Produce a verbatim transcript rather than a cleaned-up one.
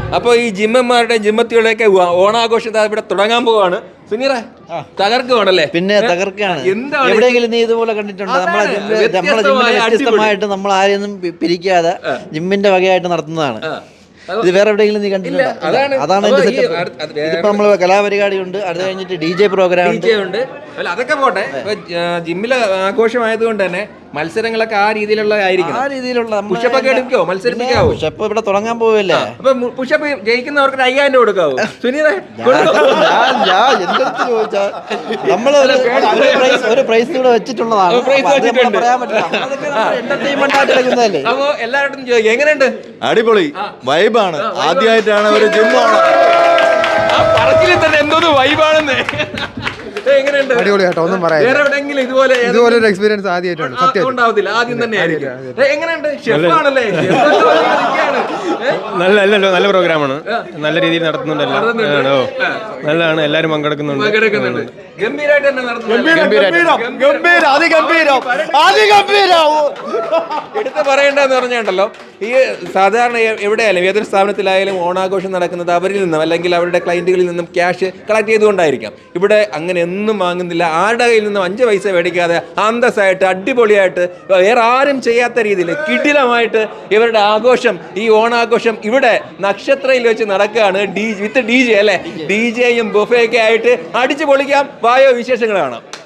അപ്പോൾ ഈ ജിമ്മന്മാരുടെയും ജിമ്മത്തികളുടെയൊക്കെ ഓണാഘോഷം ഇവിടെ തുടങ്ങാൻ പോവാണ്. സുനീറേ തകർക്കുവാണല്ലേ? പിന്നെ തകർക്കാണ്. എവിടെയെങ്കിലും നീ ഇതുപോലെ കണ്ടിട്ടുണ്ടോ? നമ്മളെ നമ്മളെ ജിമ്മിനെ വ്യത്യസ്തമായിട്ട് നമ്മൾ ആരെയൊന്നും പിരിക്കാതെ ജിമ്മിന്റെ വകയായിട്ട് നടത്തുന്നതാണ്. ഇത് വേറെ എവിടെയെങ്കിലും നീ കണ്ടിട്ടുണ്ടോ? അതാണ് എന്റെ സെറ്റപ്പ്. ഇതിപ്പോ നമ്മള് കലാപരിപാടി ഉണ്ട്, അത് കഴിഞ്ഞിട്ട് ഡി ജെ പ്രോഗ്രാം ഉണ്ട്. അതൊക്കെ പോട്ടെ, ജിമ്മിലെ ആഘോഷമായതുകൊണ്ട് തന്നെ മത്സരങ്ങളൊക്കെ ആ രീതിയിലുള്ള ആയിരിക്കും. ആ രീതിയിലുള്ള പുഷപ്പൊക്കെ എടുക്കോ? മത്സരിപ്പിക്കാവോ? പുഷപ്പ് ഇവിടെ തുടങ്ങാൻ പോവല്ലേ? അപ്പൊ പുഷപ്പ് ജയിക്കുന്നവർക്ക് അയ്യായിരം രൂപ കൊടുക്കാവോ? സുനീറേ ചോദിച്ചാ നമ്മള് ഒരു പ്രൈസ് കൂടെ വെച്ചിട്ടുള്ളതാണ്. പറയാൻ പറ്റില്ല. എന്റർടൈൻമെന്റ് ആയിട്ട് എടുക്കുന്നതല്ലേ. അപ്പൊ എല്ലാവരും ചോദിക്കും എങ്ങനെയുണ്ട്? അടിപൊളി വൈബാണ്. ആദ്യമായിട്ടാണ് ഒരു ജിം ഓണം. ആ പറച്ചിൽ തന്നെ എന്തോന്ന് വൈബാണെന്ന്. അടിപൊളിയാട്ടോ, ഒന്നും പറയാം. വേറെ എവിടെയെങ്കിലും ഇതുപോലെ ഇതുപോലെ ഒരു എക്സ്പീരിയൻസ് ആദ്യമായിട്ടാണ്. സത്യം ഉണ്ടാവത്തില്ല, ആദ്യം തന്നെ ആയിരിക്കും. എങ്ങനെയുണ്ട്? ഷെഫാണല്ലേ? നല്ല അല്ലല്ലോ, നല്ല പ്രോഗ്രാമാണ്, നല്ല രീതിയിൽ നടത്തുന്നുണ്ടല്ലോ. നല്ലതാണ്, എല്ലാവരും പങ്കെടുക്കുന്നുണ്ട്. ഗംഭീരമായിട്ട് തന്നെ എടുത്ത് പറയേണ്ടതെന്ന് പറഞ്ഞുണ്ടല്ലോ, ഈ സാധാരണ എവിടെയായാലും ഏതൊരു സ്ഥാപനത്തിലായാലും ഓണാഘോഷം നടക്കുന്നത് അവരിൽ നിന്നും അല്ലെങ്കിൽ അവരുടെ ക്ലയന്റുകളിൽ നിന്നും ക്യാഷ് കളക്ട് ചെയ്തുകൊണ്ടായിരിക്കാം. ഇവിടെ അങ്ങനെ ഒന്നും വാങ്ങുന്നില്ല. ആരുടെ കയ്യിൽ നിന്നും അഞ്ച് പൈസ മേടിക്കാതെ അന്തസ്സായിട്ട് അടിപൊളിയായിട്ട് വേറെ ആരും ചെയ്യാത്ത രീതിയിൽ കിടിലമായിട്ട് ഇവരുടെ ആഘോഷം, ഈ ഓണാഘോഷം ഇവിടെ നക്ഷത്രയിൽ വെച്ച് നടക്കുകയാണ്. ഡി വിത്ത് ഡി ജെ അല്ലേ? ഡി ജെയും ബുഫയൊക്കെ ആയിട്ട് അടിച്ചു പൊളിക്കാം. വായോ വിശേഷങ്ങൾ കാണാം.